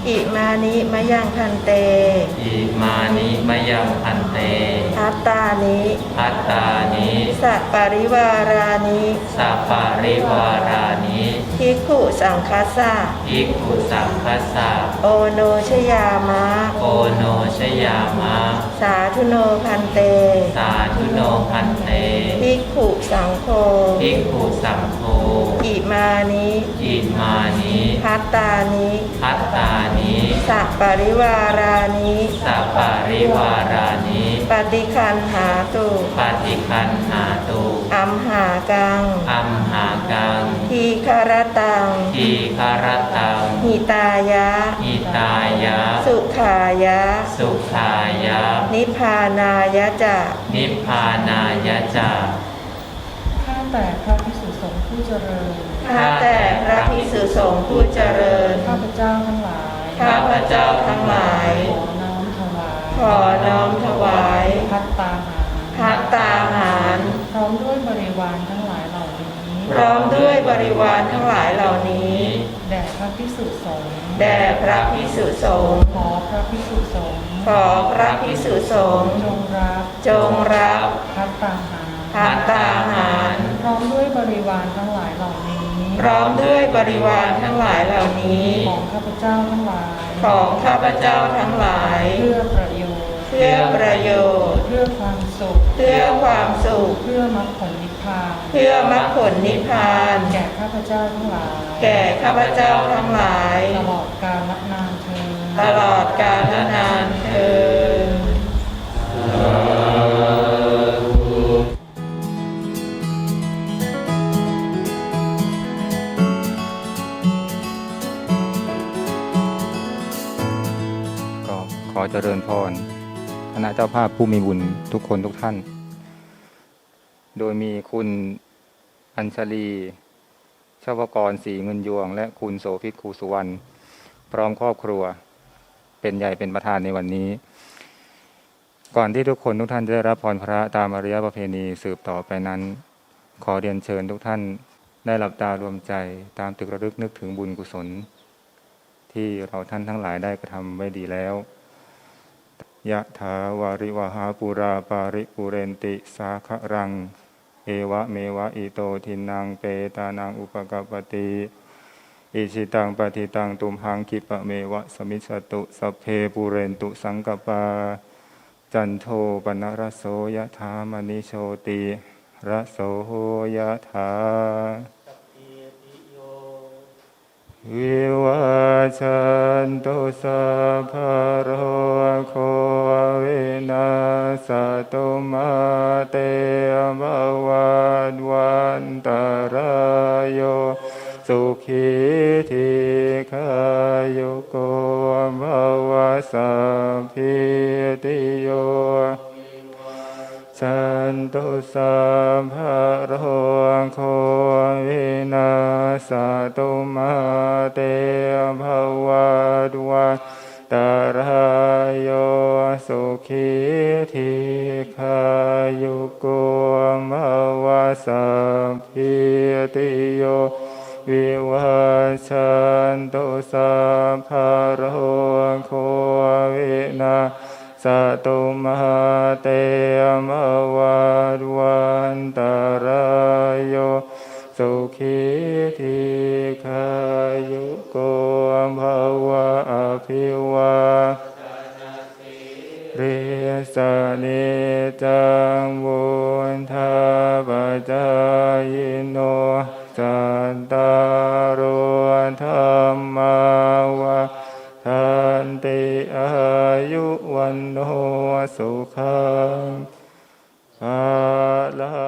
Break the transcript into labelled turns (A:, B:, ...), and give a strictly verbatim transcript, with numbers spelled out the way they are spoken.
A: อิมานิมะยังพันเต
B: อิมานิมะยังพันเต
A: พัตตานิ
B: พัตตานิ
A: สัปปริวารานิ
B: สัปปริวารานิ
A: ภิกขุสังคัสสะ
B: ภิกขุสังคัสสะ
A: โอโนชยามะ
B: โอโนชยามะ
A: สาธุโนพันเต
B: สาธุโนพันเต
A: ภิกขุสังโฆ
B: ภิกขุสังโฆ
A: อิมานิ
B: อิมานิ
A: พัตตานิ
B: พัตตานิ
A: สัปปริวารานิ
B: สัปปริวารานิ
A: ปฏิคันหาตุ
B: ปฏิคันหาตุ
A: อัมหากัง
B: อัมหากัง
A: ทีคารตัง
B: ทีคารตัง
A: หิตายะ
B: หิตายะ
A: สุขายะ
B: สุขายะ
A: นิพพานายะจะ
B: นิพพานายะจะ
A: ข้าแต่พระภิกษุสงฆ์ผู้เจริญข้าแต่พระภิกษุสงฆ์ผู้เจริญข้าพเจ้าทั้งหลายข้าพเจ้าทั้งหลายขอน้อมถวายขอน้อมถวายภัตตาหารภัตตาหารพร้อมด้วยบริวารทั้งหลายเหล่านี้พร้อมด้วยบริวารทั้งหลายเหล่านี้แด่พระภิกษุสงฆ์แด่พระภิกษุสงฆ์ขอพระภิกษุสงฆ์ขอพระภิกษุสงฆ์จงรับจงรับภัตตาหารภัตตาหารพร้อมด้วยบริวารทั้งหลายเหล่านี้พร้อมด้วยบริวารทั้งหลายเหล่านี้ของข้าพเจ้าทั้งหลายของข้าพเจ้าทั้งหลายเพื่อประโยชน์เพื่อประโยชน์เพื่อความสุขเพื่อความสุขเพื่อมรรคผลนิพพานเพื่อมรรคผลนิพพานแก่ข้าพเจ้าทั้งหลายแก่ข้าพเจ้าทั้งหลายตลอดกาลนานเทอญตลอดกาลนานเทอญ
C: ขอเจริญพรคณะเจ้าภาพผู้มีบุญทุกคนทุกท่านโดยมีคุณอัญชลีชวกรศรีเงินยวงและคุณโสภิตครูสุวรรณพร้อมครอบครัวเป็นใหญ่เป็นประธานในวันนี้ก่อนที่ทุกคนทุกท่านจะได้รับพรพระตามอริยประเพณีสืบต่อไปนั้นขอเรียนเชิญทุกท่านได้หลับตารวมใจตามตึกระลึกนึกถึงบุญกุศลที่เราท่านทั้งหลายได้กระทำไว้ดีแล้วยะถาวาริวหาปุราปาริปุเรนติสาครังเอวะเมวะอิโตทินังเปตานังอุปกปติอิชิตังปฏิตังตุมหังคิปะเมวะสมิสตุสัพเพปุเรนตุสังกปาจันโทปนรโสยะถามณิโชติระโสยะถาวิวัชชันตุสัพพะโรโควินาศตุมาเตภวัตวันตรายโยสุขีทีขายุโกภวสัพพิติโยสันตุสัพพะโรโควินาศตุมาเตภวัตวันตรายโยสุขีทีขายุโกภวสัพพิติโยวิวัชชันตุสัพพะโรโควินาศตุมาเตภวัตวันตรายโยสุขีทีขายุโกภวะอภิวาเรสเนจังวุฒาปัจจายโนสัตตารโอธรรมาวาทันติอายุวันโนสุขังภาลั